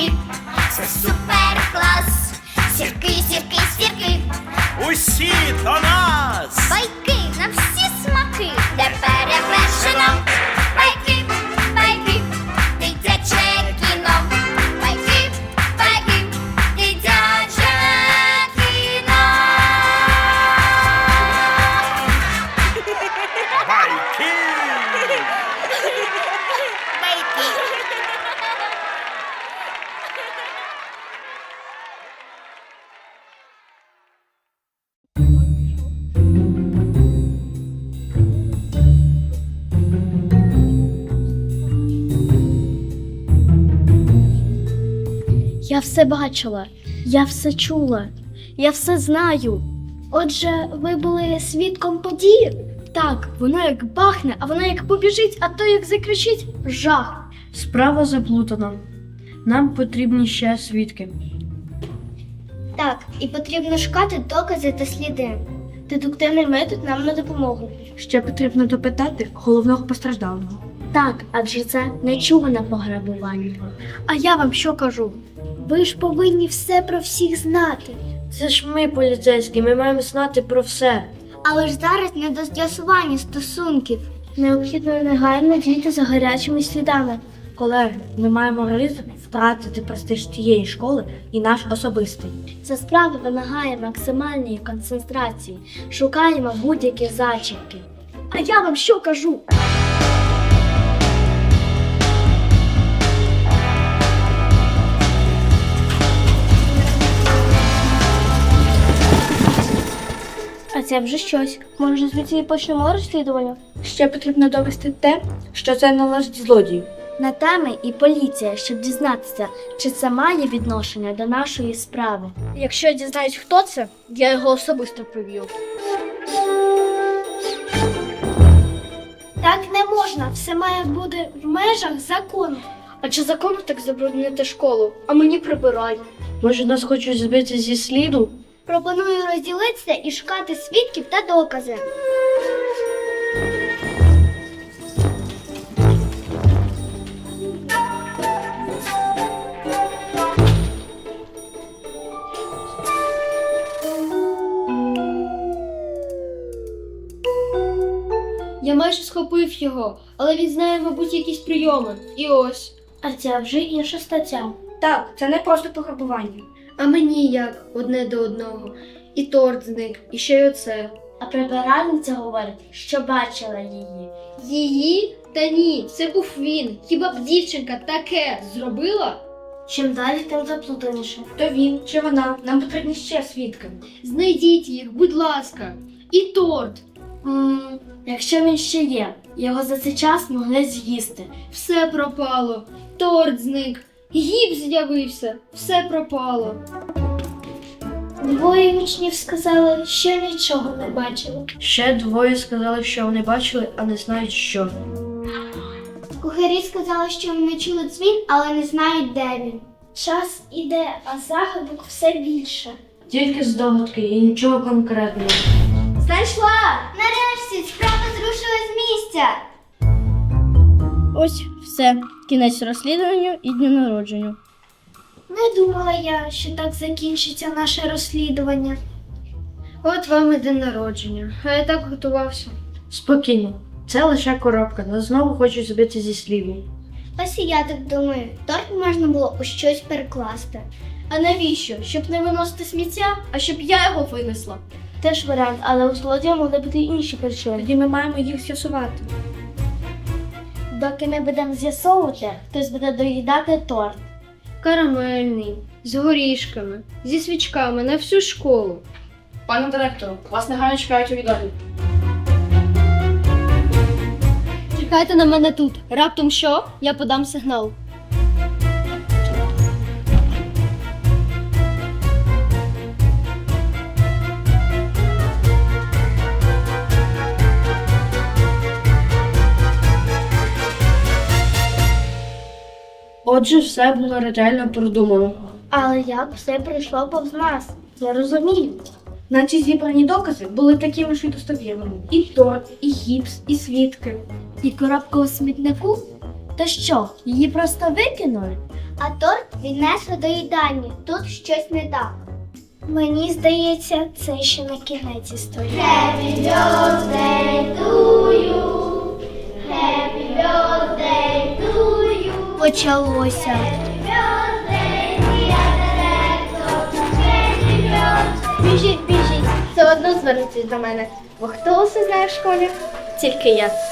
сірки, це супер клас. Сірки, сірки, сірки, Усі до нас! байки на всі смаки, де перевершено. Байки, байки, дитяче кіно. Байки, байки, дитяче кіно. Байки! Я все бачила, я все чула, я все знаю. Отже, ви були свідком події? Так, воно як бахне, а воно як побіжить, а то як закричить – жах. Справа заплутана. Нам потрібні ще свідки. Так, і потрібно шукати докази та сліди. Дедуктивний метод нам на допомогу. Ще потрібно допитати головного постраждалого. Так, адже це нечуване пограбування. А я вам що кажу? Ви ж повинні все про всіх знати. Це ж ми, поліцейські, ми маємо знати про все. Але ж зараз не до з'ясування стосунків. Необхідно негайно діяти за гарячими слідами. Колеги, ми маємо ризик втратити престиж тієї школи і наш особистий. Ця справа вимагає максимальної концентрації. Шукаємо будь-які зачіпки. А я вам що кажу? А це вже щось. Може, звідси і почнемо розслідування? Ще потрібно довести те, що це належить злодію. На теми і поліція, щоб дізнатися, чи це має відношення до нашої справи. Якщо я дізнаюсь, хто це, я його особисто приб'ю. Так не можна, все має бути в межах закону. А чи закону так забруднити школу, а мені прибирання? Може, нас хочуть збити зі сліду? Пропоную розділитися і шукати свідків та докази. Я майже схопив його, але він знає, мабуть, якісь прийоми. І ось. А це вже інша стаття. Так, це не просто пограбування. А мені як одне до одного. І торт зник, і ще й оце. А прибиральниця говорить, що бачила її. Її? Та ні, це був він. Хіба б дівчинка таке зробила? Чим далі, тим заплутаніше. То він чи вона? Нам потрібні ще свідки. Знайдіть їх, будь ласка. І торт. Якщо він ще є, його за цей час могли з'їсти. Все пропало. Торт зник. Гіпс з'явився. Все пропало. Двоє учнів сказали, що нічого не бачили. Ще двоє сказали, що вони бачили, а не знають що. Кухарі сказали, що вони чули дзвін, але не знають, де він. Час іде, а загадок все більше. Тільки здогадки і нічого конкретного. Знайшла! Нарешті справа зрушила з місця. Ось все. Кінець розслідуванню і дню народження. Не думала я, що так закінчиться наше розслідування. От вам і день народження. А я так готувався. Спокійно. Це лише коробка, нас знову хочуть збити зі сліду. Ось і я так думаю, торт можна було у щось перекласти. А навіщо? Щоб не виносити сміття, а щоб я його винесла. Теж варіант, але у злодія могли бути й інші причини. Тоді ми маємо їх з'ясувати. Доки ми будемо з'ясовувати, хтось буде доїдати торт. Карамельний, з горішками, зі свічками на всю школу. Пане директору, вас негайно чекають у відомі. Чекайте на мене тут. Раптом що? Я подам сигнал. Отже, все було ретельно продумано. Але як все пройшло повз нас? Не розумію. Наче зібрані докази були такими ж і достовірними. І торт, і гіпс, і свідки. І коробка у смітнику? Та що, її просто викинули? А торт віднесли до їдальні. Тут щось не так. Мені здається, це ще не кінець історії. Happy birthday to you. Happy birthday to you. Почалося. Happy birthday, dear director. Happy birthday. Біжіть, біжіть. Все одно звернуться до мене. Бо хто усе знає в школі? Тільки я.